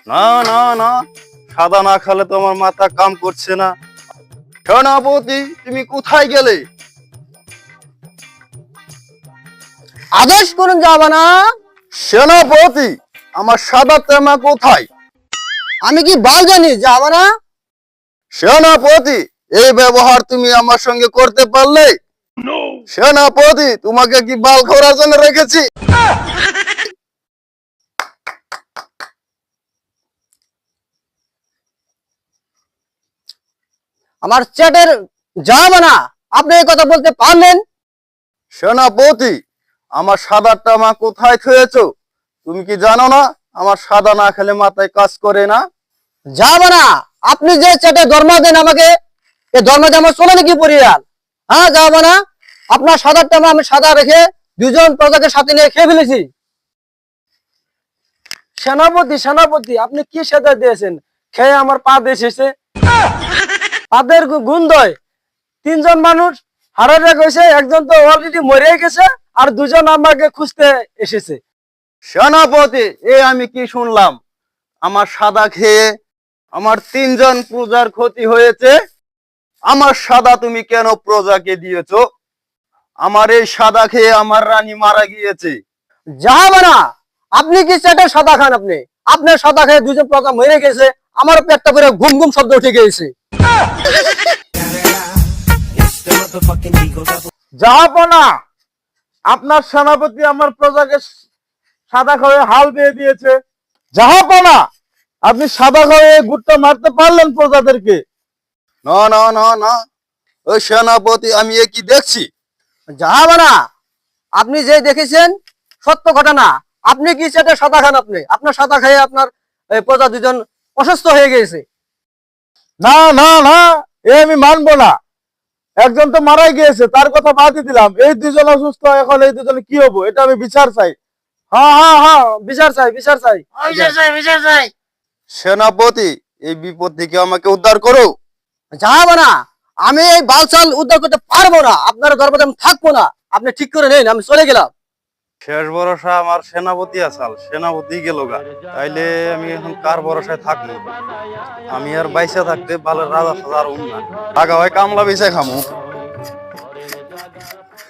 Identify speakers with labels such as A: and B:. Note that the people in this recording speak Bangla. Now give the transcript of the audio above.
A: না না না, সাদা না খেলে তো আমার মাথা কাম করছে না। সেনাপতি, তুমি কোথায় গেলে?
B: আদেশ করুন জাহাপনা।
A: সেনাপতি, আমার সাদা তেমা কোথায়?
B: আমি কি বাল জানি জাহাপনা?
A: সেনাপতি, এই ব্যবহার তুমি আমার সঙ্গে করতে পারলে? সেনাপতি, তোমাকে কি বাল খোরার জন্য রেখেছি?
B: আমার চ্যাটের জাহাপনা, আপনি এই কথা বলতে পারলেন?
A: সেনাপতি, আমার সাদা তামা কোথায় থুয়েছো? তুমি কি জানো না আমার সাদা না খেলে মাথায় কাজ করে না?
B: জাহাপনা, আপনি যে চ্যাটে ধর্ম দেন আমাকে, এই ধর্ম আমার চলে নাকি পরিয়াল? হ্যাঁ জাহাপনা, আপনার সাদার টামা আমি সাদা রেখে দুজন প্রজাকে সাথে নিয়ে খেয়ে ফেলেছি।
C: সেনাপতি সেনাপতি, আপনি কি সেদা দিয়েছেন? খেয়ে আমার পা এসেছে, পাদের গুন্দয় তিনজন মানুষ হারারে গেছে, একজন তো অলরেডি মরে গেছে, আর দুজন আমাকে খুঁজতে এসেছে।
A: সেনাপতি, আমি কি শুনলাম আমার সাদা খেয়ে আমার তিনজন প্রজার ক্ষতি হয়েছে? আমার সাদা তুমি কেন প্রজাকে দিয়েছো? আমার এই সাদা খেয়ে আমার রানী মারা গিয়েছে।
B: জাহাপনা, আপনি কি চ্যাটে সাদা খান? আপনি আপনার সাদা খেয়ে দুজন প্রজা মরে গেছে, আমার পেটটা করে ঘুম ঘুম শব্দ উঠে গেছে।
C: জাহাপনা, আপনার সেনাপতি আমার প্রজাকে সাদা খাওয়ে হাল দিয়ে দিয়েছে। জাহাপনা, আপনি সাদা খাওয়ে গুটটা মারতে পারলেন প্রজাদেরকে?
A: না না না না, ওই সেনাপতি, আমি এ কি দেখছি?
B: জাহাপনা, আপনি যে দেখেছেন সত্য ঘটনা। আপনি কি চ্যাটে সাদা খান? আপনি আপনার সাদা খেয়ে আপনার প্রজা দুজন অসুস্থ হয়ে গেছে।
C: না না না, আমি মানবো না। একজন তো মারাই গিয়েছে, তার কথা বাদই দিলাম। এই দুজন অসুস্থ, এখন এই দুজনে কি হবো? এটা আমি বিচার চাই। হ্যাঁ হ্যাঁ হ্যাঁ, বিচার চাই, বিচার চাই।
A: সেনাপতি, এই বিপদ থেকে আমাকে উদ্ধার করো।
B: জাহাপনা, আমি এই বালচাল উদ্ধার করতে পারবো না, আপনার দরবারে আমি থাকবো না। আপনি ঠিক করে নেন, আমি চলে গেলাম।
A: শেষ ভরসা আমার সেনাপতি আসাল, সেনাপতি গেল গা, তাইলে আমি এখন কার ভরসায় থাকবো? আমি আর বাইসা থাকতে ভালো রাজা সাজার না, টাকা হয় কামলা বেচে খামু।